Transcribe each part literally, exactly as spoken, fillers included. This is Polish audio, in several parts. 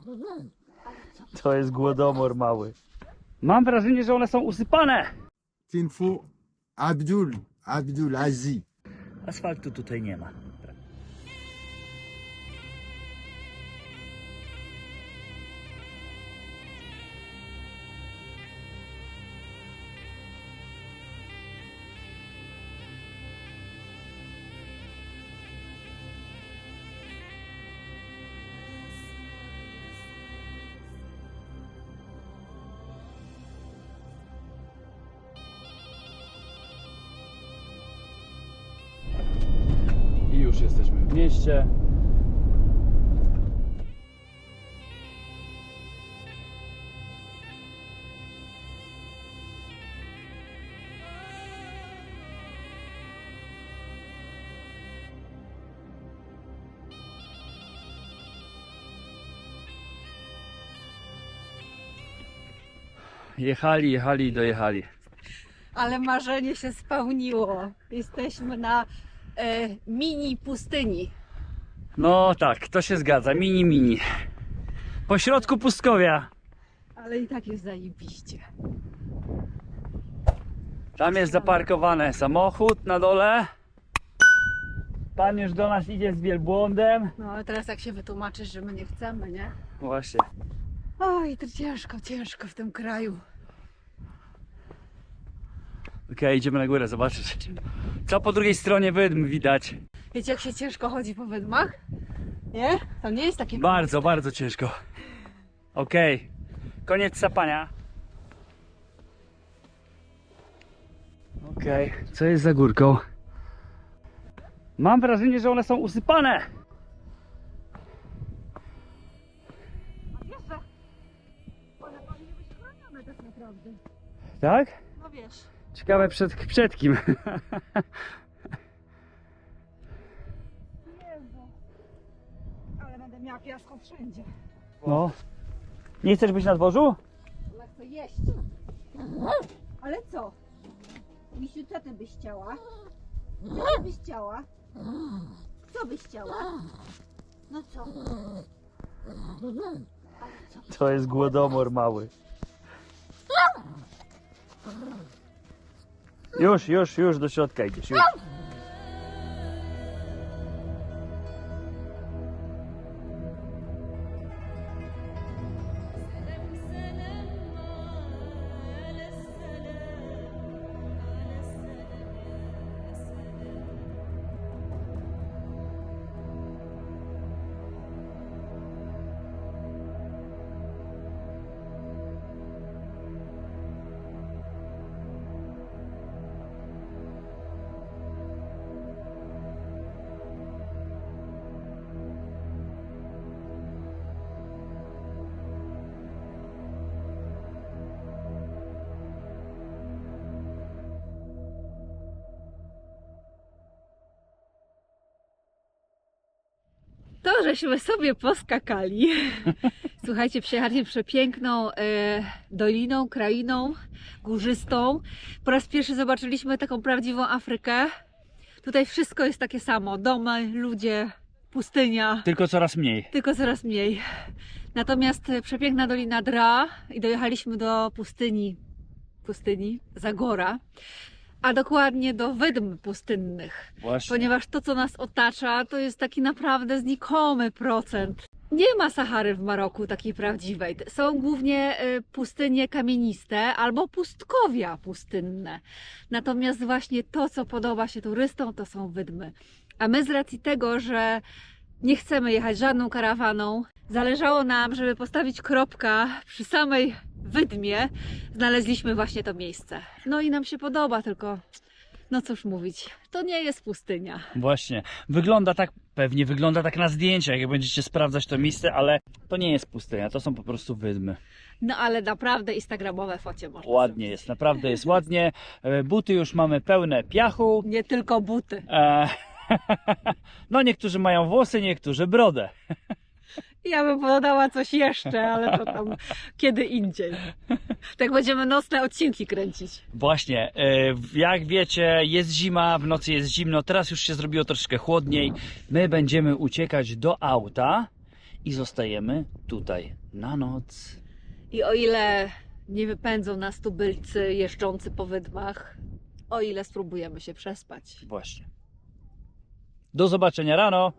To jest głodomor mały. Mam wrażenie, że one są usypane. Tinfu Abdul, Abdul Aziz. Asfaltu tutaj nie ma. I już jesteśmy w mieście. Jechali, jechali i dojechali. Ale marzenie się spełniło. Jesteśmy na e, mini pustyni. No tak, to się zgadza. Mini, mini. Po środku pustkowia. Ale i tak jest zajebiście. Tam jest zaparkowany samochód na dole. Pan już do nas idzie z wielbłądem. No ale teraz jak się wytłumaczysz, że my nie chcemy, nie? Właśnie. Oj, to ciężko, ciężko w tym kraju. Okej, okay, idziemy na górę zobaczyć. Co po drugiej stronie wydm widać. Wiecie, jak się ciężko chodzi po wydmach? Nie? To nie jest takie... Bardzo, bardzo ciężko. Okej, okay. Koniec sapania. Okej, okay. Co jest za górką? Mam wrażenie, że one są usypane. A wiesz, że one powinny być chronione tak naprawdę. Tak? No wiesz. Ciekawe przed, przed kim. Jezu. Ale będę miała piasku wszędzie. No. Nie chcesz być na dworzu? Ale chcę jeść. Ale co? Misiu, co ty byś chciała? Co ty byś chciała? Co byś chciała? No co? To jest głodomor mały. Już, już, już do środka idziesz. Już. To, żeśmy sobie poskakali. Słuchajcie, przejechaliśmy przepiękną e, doliną, krainą górzystą. Po raz pierwszy zobaczyliśmy taką prawdziwą Afrykę. Tutaj wszystko jest takie samo. Domy, ludzie, pustynia. Tylko coraz mniej. Tylko coraz mniej. Natomiast przepiękna dolina Dra i dojechaliśmy do pustyni, pustyni Zagora. A dokładnie do wydm pustynnych. Właśnie. Ponieważ to, co nas otacza, to jest taki naprawdę znikomy procent. Nie ma Sahary w Maroku takiej prawdziwej. Są głównie pustynie kamieniste albo pustkowia pustynne. Natomiast właśnie to, co podoba się turystom, to są wydmy. A my z racji tego, że nie chcemy jechać żadną karawaną, zależało nam, żeby postawić kropkę przy samej wydmie, znaleźliśmy właśnie to miejsce. No i nam się podoba, tylko no cóż mówić, to nie jest pustynia. Właśnie, wygląda tak, pewnie wygląda tak na zdjęciach, jak będziecie sprawdzać to miejsce, ale to nie jest pustynia, to są po prostu wydmy. No ale naprawdę instagramowe focie można Ładnie zrobić. jest, naprawdę jest ładnie. Buty już mamy pełne piachu. Nie tylko buty. E, no niektórzy mają włosy, niektórzy brodę. Ja bym podała coś jeszcze, ale to tam kiedy indziej. Tak będziemy nocne odcinki kręcić. Właśnie, jak wiecie, jest zima, w nocy jest zimno, teraz już się zrobiło troszeczkę chłodniej. My będziemy uciekać do auta i zostajemy tutaj na noc. I o ile nie wypędzą nas tubylcy jeżdżący po wydmach, o ile spróbujemy się przespać. Właśnie. Do zobaczenia rano.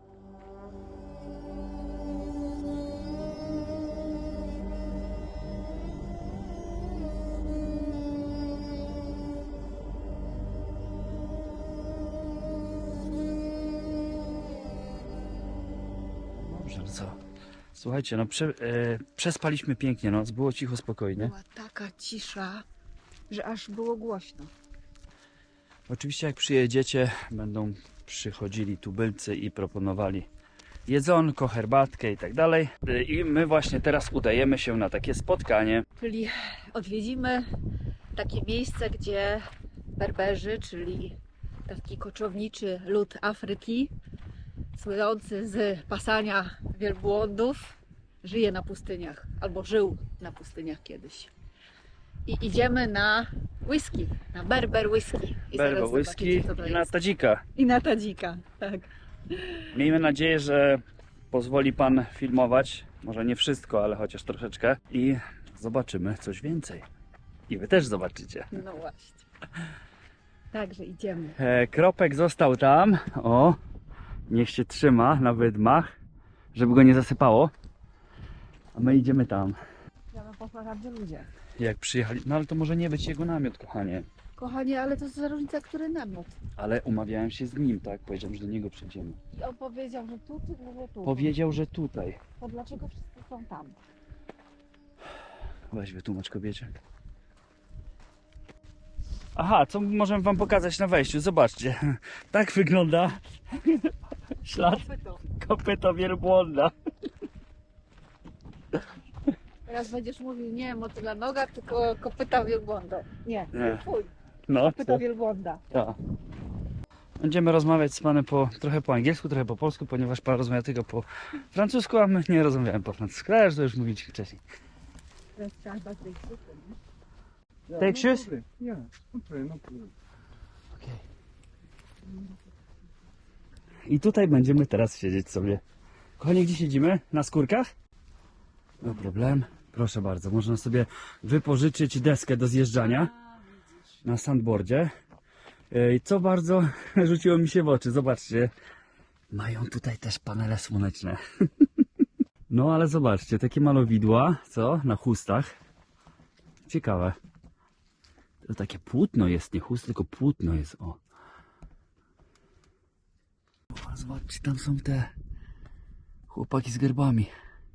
Dobrze, no co? Słuchajcie, no prze, e, przespaliśmy pięknie noc, było cicho, spokojnie. Była taka cisza, że aż było głośno. Oczywiście jak przyjedziecie, będą przychodzili tubylcy i proponowali jedzonko, herbatkę i tak dalej. I my właśnie teraz udajemy się na takie spotkanie. Czyli odwiedzimy takie miejsce, gdzie Berberzy, czyli taki koczowniczy lud Afryki, słynący z pasania wielbłądów, żyje na pustyniach, albo żył na pustyniach kiedyś. I idziemy na whisky, na Berber whisky. I Berber zaraz whisky zobaczycie, co to i na jest. tadzika. I na tadzika, tak. Miejmy nadzieję, że pozwoli Pan filmować, może nie wszystko, ale chociaż troszeczkę i zobaczymy coś więcej. I Wy też zobaczycie. No właśnie. Także idziemy. E, Kropek został tam, o, niech się trzyma na wydmach, żeby go nie zasypało. A my idziemy tam. Ja mam posłuchać ludzie. Jak przyjechali, no ale to może nie być jego namiot, kochanie. Kochanie, ale to jest za różnica, który namiot. Ale umawiałem się z nim, tak? Powiedziałem, że do niego przyjdziemy. I on powiedział, że tu, ty mówię tu. Powiedział, że tutaj. To dlaczego wszyscy są tam? Weź wytłumacz kobiecie. Aha, co możemy wam pokazać na wejściu? Zobaczcie. Tak wygląda ślad Kopyto. kopyta wielbłąda. Teraz będziesz mówił nie motyla noga, tylko kopyta wielbłąda. Nie, Nie. twój. No, Kopyta co? wielbłąda. Ja. Będziemy rozmawiać z panem po, trochę po angielsku, trochę po polsku, ponieważ pan rozmawia tylko po francusku, a my nie rozmawiamy po francusku. Ale to już mówiliśmy wcześniej. Teraz trzeba bardziej krzyczeć, nie? Take shoes? Yeah, no problem, no problem. I tutaj będziemy teraz siedzieć sobie. Kochani, gdzie siedzimy? Na skórkach? No problem. Proszę bardzo, można sobie wypożyczyć deskę do zjeżdżania na sandboardzie. I co bardzo rzuciło mi się w oczy, zobaczcie. Mają tutaj też panele słoneczne. No ale zobaczcie, takie malowidła, co? Na chustach. Ciekawe. To takie płótno jest, nie chust, tylko płótno jest, o. O, zobaczcie, tam są te chłopaki z gerbami.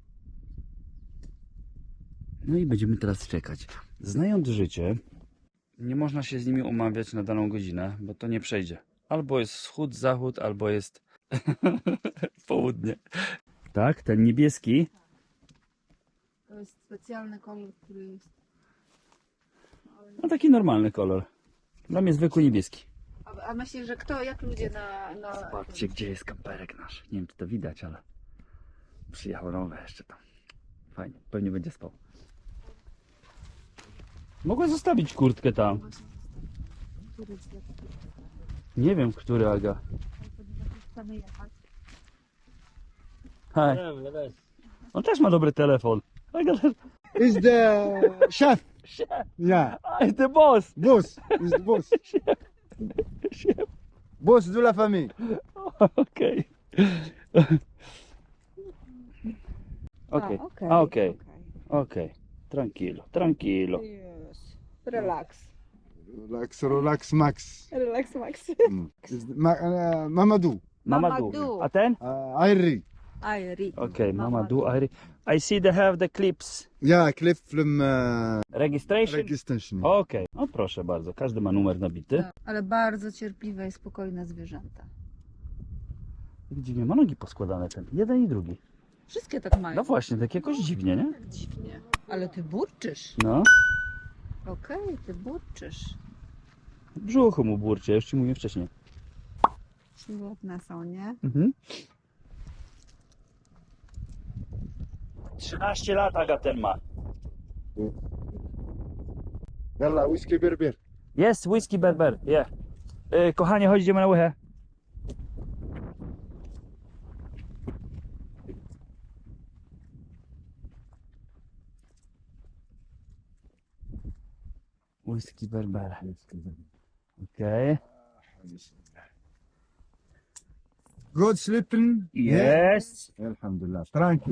No i będziemy teraz czekać. Znając życie, nie można się z nimi umawiać na daną godzinę, bo to nie przejdzie. Albo jest wschód, zachód, albo jest południe. Tak, ten niebieski. To jest specjalny kolor, który jest... No taki normalny kolor. Dla mnie zwykły niebieski. A, a myślisz, że kto, jak ludzie na... na... Zobaczcie, gdzie jest kamperek nasz. Nie wiem, czy to widać, ale przyjechał nowe jeszcze tam. Fajnie, pewnie będzie spał. Mogłem zostawić kurtkę tam. Nie wiem, który, Aga. Chcemy jechać. Hej. On też ma dobry telefon. Aga też. Is the chef? Yeah, Aj, ty boss! boss. Is the boss. Boss de la famille. Okej. Okej, A, okej, a, okej, okej. Tranquilo, tranquilo. Yes. Relax. Relax, relax, Max. Relax, Max. Mm. Is the- Ma, uh, Mamadou. Mamadou. Mamadou. A ten? Uh, Ayri. Ayri. Okej, Mamadou. I, I see they have the clips. Yeah, Cliff from uh, Registration? registration. Okej, no proszę bardzo, każdy ma numer nabity. Ale bardzo cierpliwe i spokojne zwierzęta. Jak dziwnie, ma nogi poskładane ten, jeden i drugi. Wszystkie tak mają. No właśnie, tak jakoś dziwnie, nie? Tak dziwnie. Ale ty burczysz. No, Okej, ty burczysz. w brzuchu mu burczy, ja już ci mówiłem wcześniej. Świetne są, nie? Mhm. trzynaście lat Aga ten ma. Yalla, whisky berber. Jest whisky berber, yeah. Yy, kochanie, chodź, idziemy na łychę. Whisky Berber. Okej. Good sleeping? Jest. Alhamdulillah. Tranquil.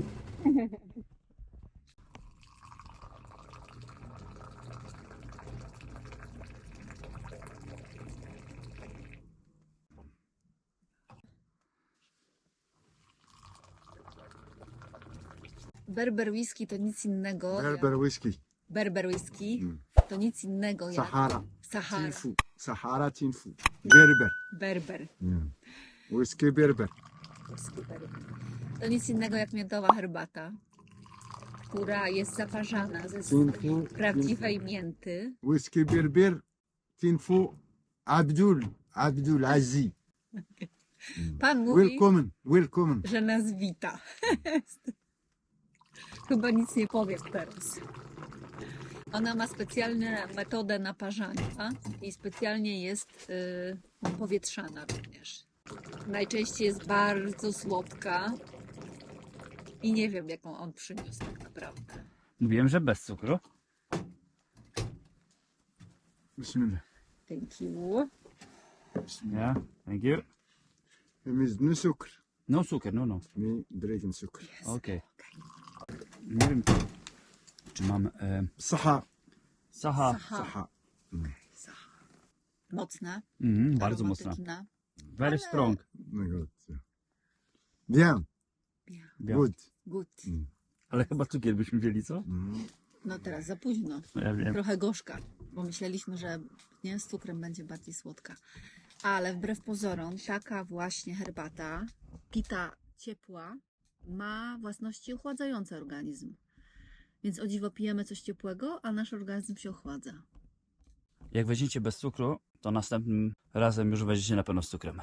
Berber whisky to nic innego. Berber whisky. Berber whisky Mm. to nic innego jak Sahara. Sahara. Tinfu. Sahara Tinfu. Berber. Berber. Whisky Berber. Whisky berber. To nic innego jak miodowa herbata, która jest zaparzana ze Tinfu. prawdziwej mięty. Whisky Berber. Tinfu. Abdul. Abdul Aziz. Pan mówi, Welcome. Welcome. że nas wita. Chyba nic nie powiem teraz. Ona ma specjalną metodę naparzania i specjalnie jest y, powietrzana również. Najczęściej jest bardzo słodka i nie wiem, jaką on przyniósł tak naprawdę. Mówiłem, że bez cukru. Bismillah. Thank you. Yeah, thank you. Miz no sucre. No cukier, no no. Mi drinking sucre. Okej. Nie wiem, czy mam e, Saha. saha. Saha. Saha. Saha. Mocna. Mhm, bardzo mocna. aromatyczna. Very strong. No good. Bien. Bien. Bien. Good. Good. Ale chyba cukier byśmy wzięli, co? No teraz za późno. No ja wiem. Trochę gorzka, bo myśleliśmy, że nie, z cukrem będzie bardziej słodka. Ale wbrew pozorom, taka właśnie herbata, pita ciepła, ma własności ochładzające organizm. Więc o dziwo pijemy coś ciepłego, a nasz organizm się ochładza. Jak weźmiecie bez cukru, to następnym razem już weźmiecie na pewno z cukrem.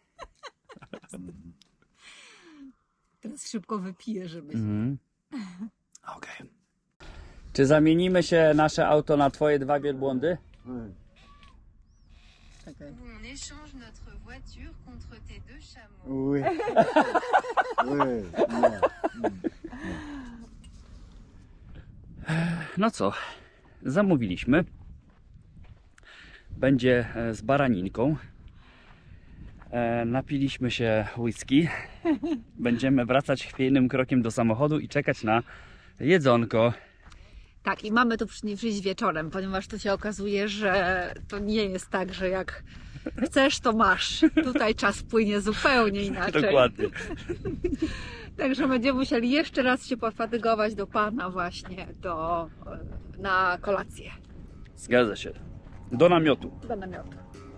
Teraz szybko wypiję, żeby... Mhm. Okej. Czy zamienimy się nasze auto na twoje dwa wielbłądy? Czekaj. On échange notre voiture contre tes deux chameaux. Oui. Oui. Yeah. No co, zamówiliśmy. Będzie e, z baraninką. E, napiliśmy się whisky. Będziemy wracać chwiejnym krokiem do samochodu i czekać na jedzonko. Tak, i mamy tu przy- przyjść wieczorem, ponieważ tu się okazuje, że to nie jest tak, że jak chcesz, to masz. Tutaj czas płynie zupełnie inaczej. Dokładnie. Także będziemy musieli jeszcze raz się pofatygować do Pana właśnie do, na kolację. Zgadza się. Do namiotu. Do namiotu.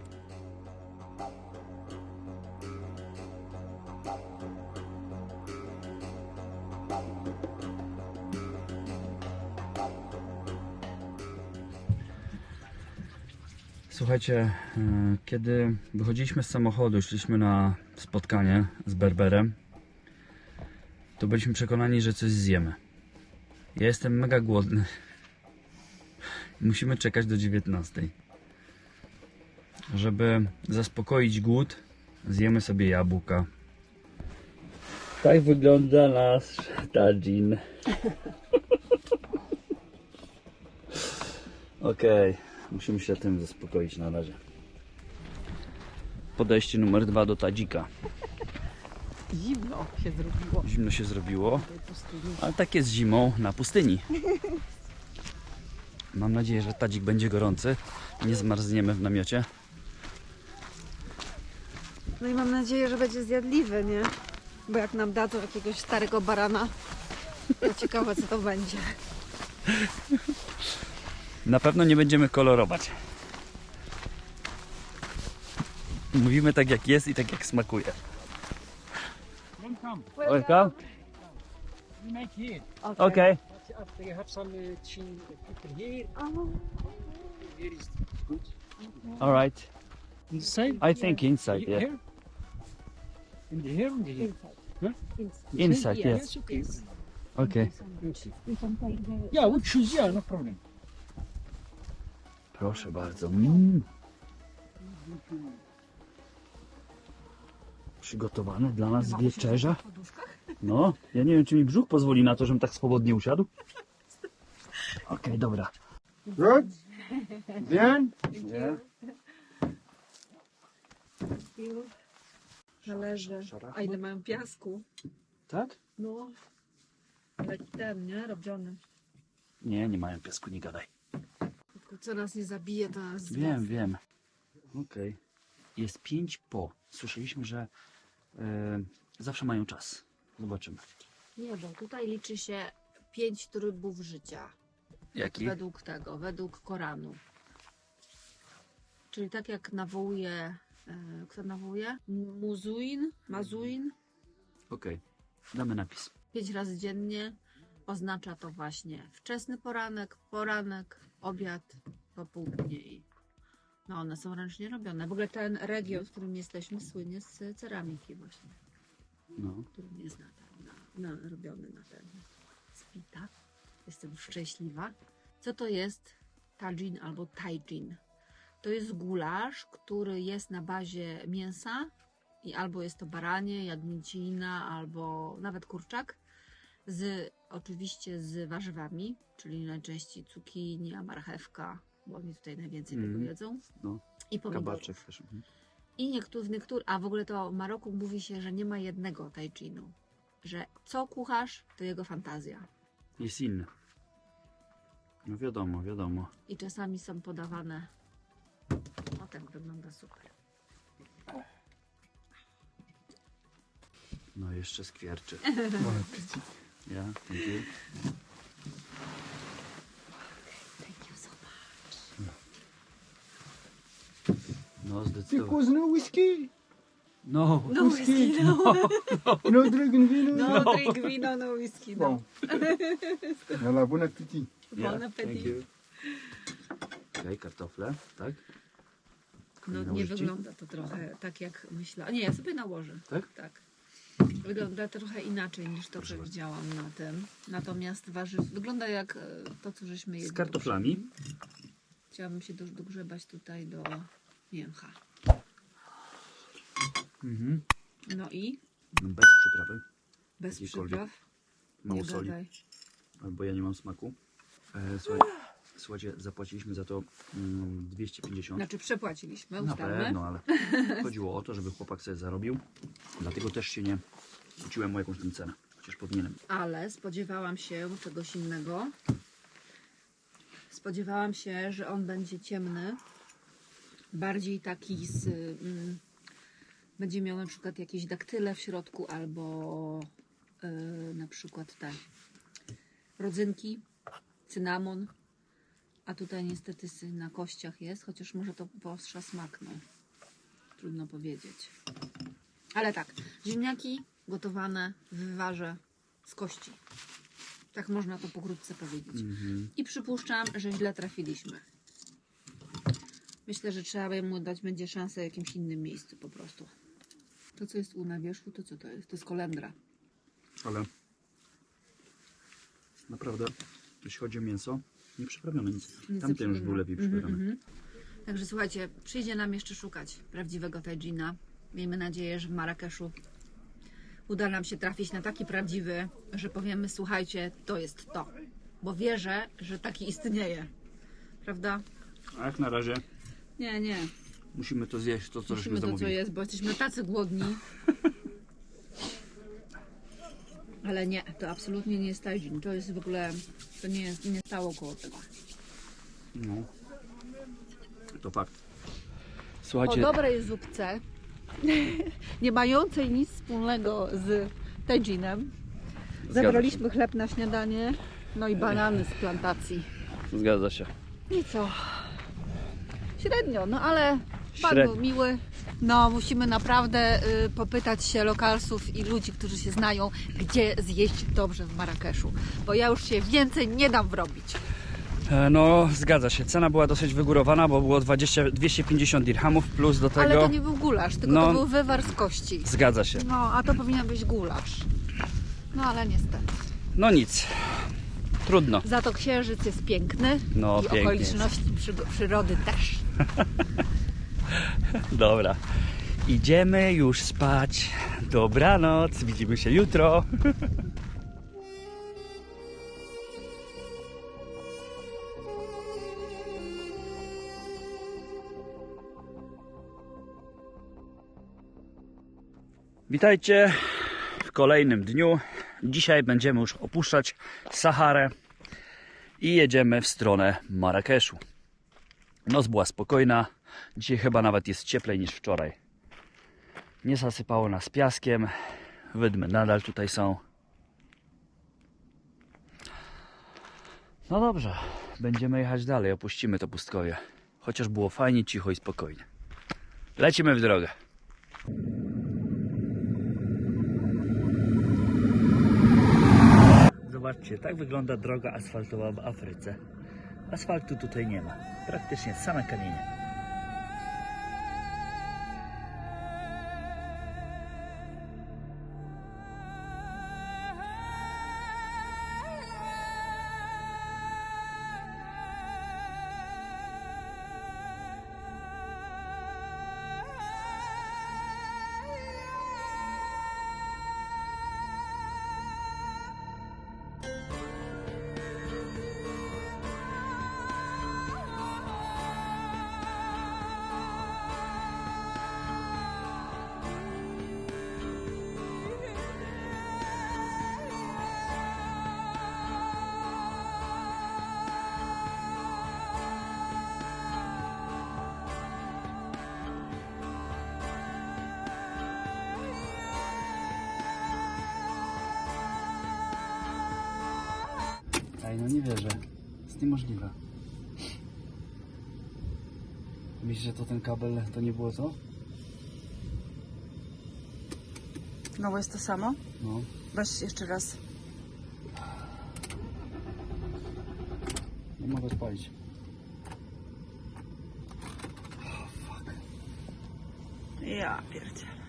Słuchajcie, e, kiedy wychodziliśmy z samochodu, szliśmy na spotkanie z Berberem, to byliśmy przekonani, że coś zjemy. Ja jestem mega głodny. Musimy czekać do dziewiętnastej. Żeby zaspokoić głód, zjemy sobie jabłka. Tak wygląda nasz tadżin. Okej, musimy się tym zaspokoić na razie. Podejście numer dwa do tadzika. Zimno się zrobiło. Zimno się zrobiło, ale tak jest zimą na pustyni. Mam nadzieję, że tadzik będzie gorący. Nie zmarzniemy w namiocie. No i mam nadzieję, że będzie zjadliwy, nie? Bo jak nam dadzą jakiegoś starego barana, to ciekawe co to będzie. Na pewno nie będziemy kolorować. Mówimy tak jak jest i tak jak smakuje. Welcome. Welcome. We make here. Okay. After you have some uh, chin people here. Here is good. All right. Inside? I think inside, yeah. Here? In the here? In the here? Huh? Inside, yes. Yes, okay. Okay. Yeah, we choose, yeah, no problem. Proszę bardzo. Mm. Przygotowane dla nas wieczerza. No, ja nie wiem, czy mi brzuch pozwoli na to, żebym tak swobodnie usiadł. Okej, dobra. Good? Bien? Nie? Talerze. A ile mają piasku? Tak? No. Taki ten, nie? Robiony. Nie, nie mają piasku, nie gadaj. Tylko co nas nie zabije, to nas Wiem, wiem. Okej. Jest pięć po. Słyszeliśmy, że e, zawsze mają czas. Zobaczymy. Nie, bo tutaj liczy się pięć trybów życia. Jaki? Według tego, według Koranu. Czyli tak jak nawołuje, e, kto nawołuje? Muzuin, Mazuin, Okej. Damy napis. pięć razy dziennie. Oznacza to właśnie wczesny poranek, poranek, obiad, popołudnie i no one są ręcznie robione. W ogóle ten region, w którym jesteśmy, słynie z ceramiki właśnie, No. który jest na, na, na, robiony na ten spita. Jestem szczęśliwa. Co to jest tajin albo tajin? To jest gulasz, który jest na bazie mięsa i albo jest to baranie, jagnięcina, albo nawet kurczak, z oczywiście z warzywami, czyli najczęściej cukinia, marchewka, bo oni tutaj najwięcej Mm. tego jedzą, No. i pomidorów. Kabaczek też. Mhm. I niektórzy, niektóry, a w ogóle to w Maroku mówi się, że nie ma jednego tajinu, że co kucharz, to jego fantazja. Jest inny. No wiadomo, wiadomo. I czasami są podawane. O, tak wygląda super. No jeszcze skwierczy. Bon appétit. Ja, thank you. Thank you so much. No Ty zdecydowanie. kuzno whisky? No. No whisky, no. No drinking wino? No, drink wino, no whisky, no. Bon. Voilà, bon appétit. Ja, Bon thank appetit. you. Okej, kartofle, tak? No nie Nałożyć ci? wygląda to trochę tak jak myślałam. Nie, ja sobie nałożę. Tak? Tak. Wygląda trochę inaczej niż to, co widziałam na tym. Natomiast warzyw wygląda jak e, to, co żeśmy jedli. Z kartoflami. Chciałabym się do, dogrzebać tutaj do mięcha. Mhm. No i Bez przyprawy. bez Jakiejkolwiek. przypraw. Mało Nie soli. gadaj. Albo ja nie mam smaku. E, słuchaj, słuchajcie, zapłaciliśmy za to mm, dwieście pięćdziesiąt. Znaczy przepłaciliśmy, Na ustalmy. pewno, ale chodziło o to, żeby chłopak sobie zarobił. Dlatego też się nie kłóciłem o jakąś tam cenę. Chociaż powinienem. Ale spodziewałam się czegoś innego. Spodziewałam się, że on będzie ciemny. Bardziej taki z... Mm, będzie miał na przykład jakieś daktyle w środku albo yy, na przykład te rodzynki, cynamon. A tutaj niestety sy- na kościach jest, chociaż może to poostrza smak, no. Trudno powiedzieć. Ale tak, ziemniaki gotowane w wywarze z kości. Tak można to pokrótce powiedzieć. Mhm. I przypuszczam, że źle trafiliśmy. Myślę, że trzeba by mu dać będzie szansę w jakimś innym miejscu po prostu. To, co jest u na wierzchu, to co to jest? To jest kolendra. Ale naprawdę, jeśli chodzi o mięso, nie przyprawione nic. Nic Tamten już zepsułego. był lepiej Mhm, przyprawiony. mhm. Także słuchajcie, przyjdzie nam jeszcze szukać prawdziwego tajina. Miejmy nadzieję, że w Marrakeszu uda nam się trafić na taki prawdziwy, że powiemy, słuchajcie, to jest to. Bo wierzę, że taki istnieje. Prawda? A jak na razie Nie, nie. musimy to zjeść, to co żeśmy Musimy to, co zamówili. jest, bo jesteśmy tacy głodni. Ale nie, to absolutnie nie jest tajin. To jest w ogóle, to nie, jest, nie stało koło tego. No. To fakt. O Słuchajcie, dobrej zupce, nie mającej nic wspólnego z tajinem, zabraliśmy chleb na śniadanie, no i banany z plantacji. zgadza się. I co? Średnio, no ale pan Średnio. był miły. No, musimy naprawdę y, popytać się lokalsów i ludzi, którzy się znają, gdzie zjeść dobrze w Marrakeszu. Bo ja już się więcej nie dam wrobić. E, No, zgadza się. Cena była dosyć wygórowana, bo było dwadzieścia, dwieście pięćdziesiąt dirhamów plus do tego... Ale to nie był gulasz, tylko No. to był wywar z kości. Zgadza się. No, a to powinien być gulasz. No, ale niestety. No nic. Trudno. Za to księżyc jest piękny No, i pięknie okoliczności przygo- przyrody też. Dobra. Idziemy już spać. Dobranoc. Widzimy się jutro. Witajcie w kolejnym dniu. Dzisiaj będziemy już opuszczać Saharę i jedziemy w stronę Marrakeszu. Noc była spokojna. Dzisiaj chyba nawet jest cieplej niż wczoraj. Nie zasypało nas piaskiem. Wydmy nadal tutaj są. No dobrze, będziemy jechać dalej. Opuścimy to pustkowie. Chociaż było fajnie, cicho i spokojnie. Lecimy w drogę. Zobaczcie, tak wygląda droga asfaltowa w Afryce. Asfaltu tutaj nie ma. Praktycznie same kamienie. Ej, no nie wierzę. Jest niemożliwe. Myślisz, że to ten kabel to nie było to? Znowu jest to samo? No. Weź jeszcze raz. Nie mogę odpalić. Oh, fuck. Ja pierdzielę.